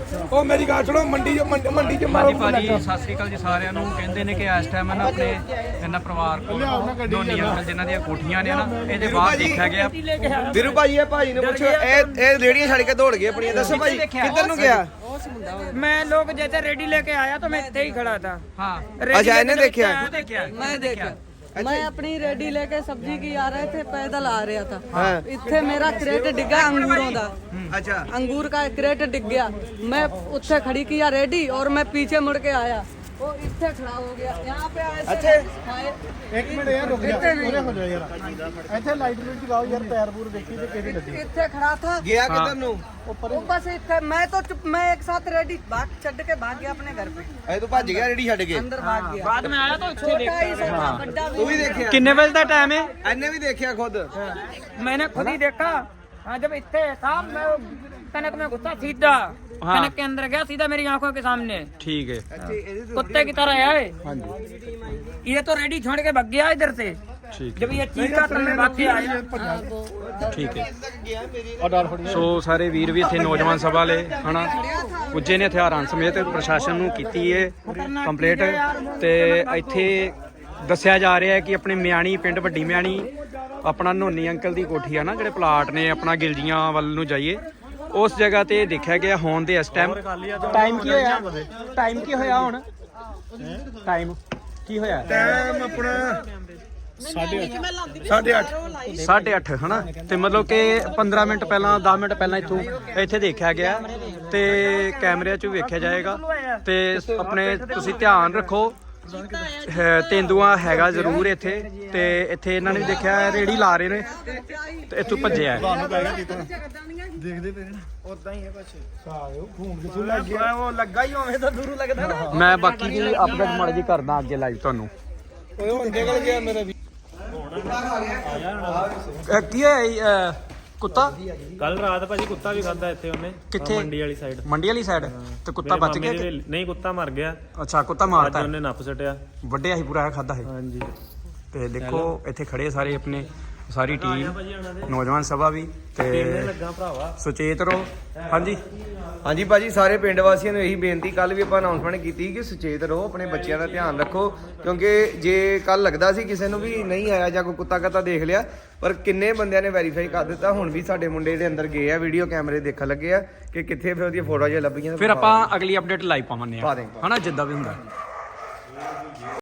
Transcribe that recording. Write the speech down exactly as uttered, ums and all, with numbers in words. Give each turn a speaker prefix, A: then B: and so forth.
A: ਉਹ ਮੇਰੀ ਗੱਲ ਸੁਣੋ ਮੰਡੀ ਚ ਮੰਡੀ ਚ ਮਾਰੋ
B: ਭਾਜੀ ਸਤਿ ਸ੍ਰੀ ਅਕਾਲ ਜੀ ਸਾਰਿਆਂ ਨੂੰ। ਕਹਿੰਦੇ ਨੇ ਕਿ ਇਸ ਟਾਈਮ ਨਾ ਆਪਣੇ ਇਹਨਾਂ ਪਰਿਵਾਰ ਕੋਲ ਦੋਨੀ ਅੰਕਲ ਜਿਨ੍ਹਾਂ ਦੀਆਂ ਕੋਠੀਆਂ ਨੇ ਨਾ ਇਹਦੇ ਬਾਅਦ ਦੇਖਿਆ ਗਿਆ।
C: ਵੀਰੂ ਭਾਜੀ ਇਹ ਭਾਜੀ ਨੂੰ ਪੁੱਛੋ ਇਹ ਇਹ ਰੇੜੀਆਂ ਛੱਡ ਕੇ ਦੌੜ ਗਏ ਆਪਣੀਆਂ। ਦੱਸੋ ਭਾਜੀ ਕਿੱਧਰ ਨੂੰ ਗਿਆ?
D: मैं लोग जैसे रेडी लेके आया तो मैं इतने ही खड़ा था।
B: हाँ
C: अच्छा इन्हें देखा?
E: मैं देखा मैं अपनी रेडी लेके सब्जी की आ रहे थे, पैदल आ रहा था।
C: हाँ।
E: इत्थे मेरा क्रेट डिग्गा अंगूरों दा।
C: अच्छा
E: अंगूर का क्रेट डिग गया। मैं उत्थे खड़ी किया रेडी और मैं पीछे मुड़ के आया, वो इत्थे खड़ा हो गया। यहाँ पे आए
C: अच्छे
F: एक मिनट यार रुक जा, पूरे हो जाओ यार। ਇੱਥੇ ਲਾਈਟ ਲੂਟ ਜਗਾਓ ਯਾਰ, ਪੈਰ ਪੂਰ ਦੇਖੀ ਤੇ ਕਿਹੜੀ ਲੱਗੀ।
E: इत्थे खड़ा था
C: ਗਿਆ ਕਿੱਧਰ ਨੂੰ?
E: वो बस इत्थे मैं तो चुप, मैं एक साथ रेडी भाग छड़ के भाग गया अपने घर पे,
C: ਇਹ ਤੂੰ ਭੱਜ ਗਿਆ ਰੇੜੀ ਛੱਡ ਕੇ?
E: अंदर भाग गया।
D: बाद में आया तो इतने
E: छोटा ही था, बड़ा
C: ਤੂੰ ਵੀ ਦੇਖਿਆ?
B: किन्ने बजे का टाइम है?
C: ਇਹਨੇ ਵੀ ਦੇਖਿਆ ਖੁਦ?
D: मैंने खुद ही देखा। हाँ जब इतने था मैं वो कनक में घुसा सीधा, कनक के अंदर गया सीधा मेरी आंखों के सामने।
B: ठीक है।
D: कुत्ते की तरह आए। ये तो रेडी छोड़ के भाग गया इधर से। जब ये चीखा तब मैं भाग के आया।
B: ठीक है। ਸੋ ਸਾਰੇ ਵੀਰ ਵੀ ਇੱਥੇ ਨੌਜਵਾਨ ਸਭਾ ਵਾਲੇ ਹਨਾ ਪੁੱਜੇ ਨੇ ਹਥਿਆਰਾਂ ਸਮੇਤ ਪ੍ਰਸ਼ਾਸਨ ਨੂੰ ਕੀਤੀ ਹੈ ਕੰਪਲੀਟ। ਤੇ ਇੱਥੇ ਦੱਸਿਆ ਜਾ ਰਿਹਾ ਹੈ ਕਿ ਆਪਣੇ ਮਿਆਣੀ ਪਿੰਡ ਵੱਡੀ ਮਿਆਣੀ ਆਪਣਾ ਨੋਨੀ ਅੰਕਲ ਦੀ ਕੋਠੀ ਆ ਨਾ, ਜਿਹੜੇ ਪਲਾਟ ਨੇ ਆਪਣਾ ਗਿਲਜੀਆਂ ਵੱਲ ਨੂੰ ਜਾਈਏ ਉਸ ਜਗ੍ਹਾ ਤੇ ਦੇਖਿਆ ਗਿਆ ਹੋਣ ਦੇ ਇਸ ਟਾਈਮ ਟਾਈਮ ਕੀ ਹੋਇਆ ਟਾਈਮ ਕੀ ਹੋਇਆ ਹੁਣ ਟਾਈਮ ਕੀ ਹੋਇਆ
A: ਟਾਈਮ ਆਪਣਾ ਸਾਢੇ ਅੱਠ
B: ਸਾਢੇ ਅੱਠ ਹਨਾ। ਤੇ ਮਤਲਬ ਕਿ ਪੰਦਰਾਂ ਮਿੰਟ ਪਹਿਲਾਂ ਦਸ ਮਿੰਟ ਪਹਿਲਾਂ ਇੱਥੋਂ ਇੱਥੇ ਦੇਖਿਆ ਗਿਆ ਤੇ ਕੈਮਰਿਆਂ 'ਚ ਵੀ ਵੇਖਿਆ ਜਾਏਗਾ। ਤੇ ਆਪਣੇ ਤੁਸੀਂ ਧਿਆਨ ਰੱਖੋ, ਤੇਂਦੂਆ ਹੈਗਾ ਜ਼ਰੂਰ ਇੱਥੇ। ਤੇ ਇੱਥੇ ਇਹਨਾਂ ਨੇ ਦੇਖਿਆ ਰੇੜੀ ਲਾ ਰਹੇ ਨੇ ਤੇ ਇੱਥੋਂ ਭੱਜਿਆ।
F: ਦੇਖਦੇ ਪਏ ਨਾ ਉਦਾਂ ਹੀ ਹੈ ਬਸ।
A: ਉਹ ਲੱਗਾ ਹੀ ਹੋਵੇ ਤਾਂ ਦੂਰੋਂ ਲੱਗਦਾ ਨਾ।
B: ਮੈਂ ਬਾਕੀ ਦੀ ਅਪਡੇਟ ਮਾੜੀ ਜੀ ਕਰਦਾ ਅੱਗੇ ਲਾਈਵ ਤੁਹਾਨੂੰ।
A: ਓਏ ਹੁਣ ਨਿਕਲ ਗਿਆ ਮੇਰਾ ਵੀ।
B: ਅਹ ਕੀ ਹੈ ਇਹ, ਕੁੱਤਾ
G: ਕੱਲ ਰਾਤ ਭਾਜੀ ਕੁੱਤਾ ਵੀ ਖਾਦਾ ਇੱਥੇ ਉਹਨੇ।
B: ਕਿੱਥੇ?
G: ਮੰਡੀ ਵਾਲੀ ਸਾਈਡ।
B: ਮੰਡੀ ਵਾਲੀ ਸਾਈਡ ਤੇ ਕੁੱਤਾ
G: ਮੇਰੇ
B: ਬਚ
G: ਮਾਮੇ
B: ਗਿਆ?
G: ਦੇ- ਨਹੀਂ ਕੁੱਤਾ ਮਰ ਗਿਆ
B: ਅੱਛਾ ਕੁੱਤਾ
G: ਅੱਜ
B: ਮਾਰਤਾ
G: ਉਹਨੇ ਨੱਪ ਸਟਿਆ।
B: ਵੱਡਿਆ ਹੀ ਪੂਰਾ ਖਾਦਾ ਹੈ।
G: ਹਾਂਜੀ
B: ਤੇ ਦੇਖੋ ਇੱਥੇ ਖੜੇ ਸਾਰੇ ਆਪਣੇ ਸਾਰੀ ਟੀਮ
G: ਭਾਜੀ ਉਹਨਾਂ ਦੇ
B: ਨੌਜਵਾਨ ਸਭਾ ਵੀ
G: ਪੀਣੇ
B: ਤੇ
G: ਲੱਗਾ ਭਰਾਵਾ।
B: ਸੁਚੇਤ ਰਹੋ। ਹਾਂਜੀ
C: ਹਾਂਜੀ ਭਾਜੀ ਸਾਰੇ ਪਿੰਡ ਵਾਸੀਆਂ ਨੂੰ ਇਹੀ ਬੇਨਤੀ, ਕੱਲ ਵੀ ਆਪਾਂ ਅਨਾਉਂਸਮੈਂਟ ਕੀਤੀ ਕਿ ਸੁਚੇਤ ਰਹੋ, ਆਪਣੇ ਬੱਚਿਆਂ ਦਾ ਧਿਆਨ ਰੱਖੋ। ਕਿਉਂਕਿ ਜੇ ਕੱਲ ਲੱਗਦਾ ਸੀ ਕਿਸੇ ਨੂੰ ਵੀ ਨਹੀਂ ਆਇਆ ਜਾਂ ਕੋਈ ਕੁੱਤਾ ਕੱਤਾ ਦੇਖ ਲਿਆ, ਪਰ ਕਿੰਨੇ ਬੰਦਿਆਂ ਨੇ ਵੈਰੀਫਾਈ ਕਰ ਦਿੱਤਾ। ਹੁਣ ਵੀ ਸਾਡੇ ਮੁੰਡੇ ਦੇ ਅੰਦਰ ਗਏ ਆ, ਵੀਡੀਓ ਕੈਮਰੇ ਦੇਖਣ ਲੱਗੇ ਆ ਕਿ ਕਿੱਥੇ ਫਿਰ ਉਹਦੀਆਂ ਫੋਟੋਆਂ ਜੇ ਲੱਭੀਆਂ।
B: ਫਿਰ ਆਪਾਂ ਅਗਲੀ ਅਪਡੇਟ ਲਾਈਵ ਪਾਵਾਂਗੇ
C: ਪਾ ਦੇਂਗੇ।
B: ਹਨਾ ਜਿੱਦਾਂ ਵੀ ਹੁੰਦਾ।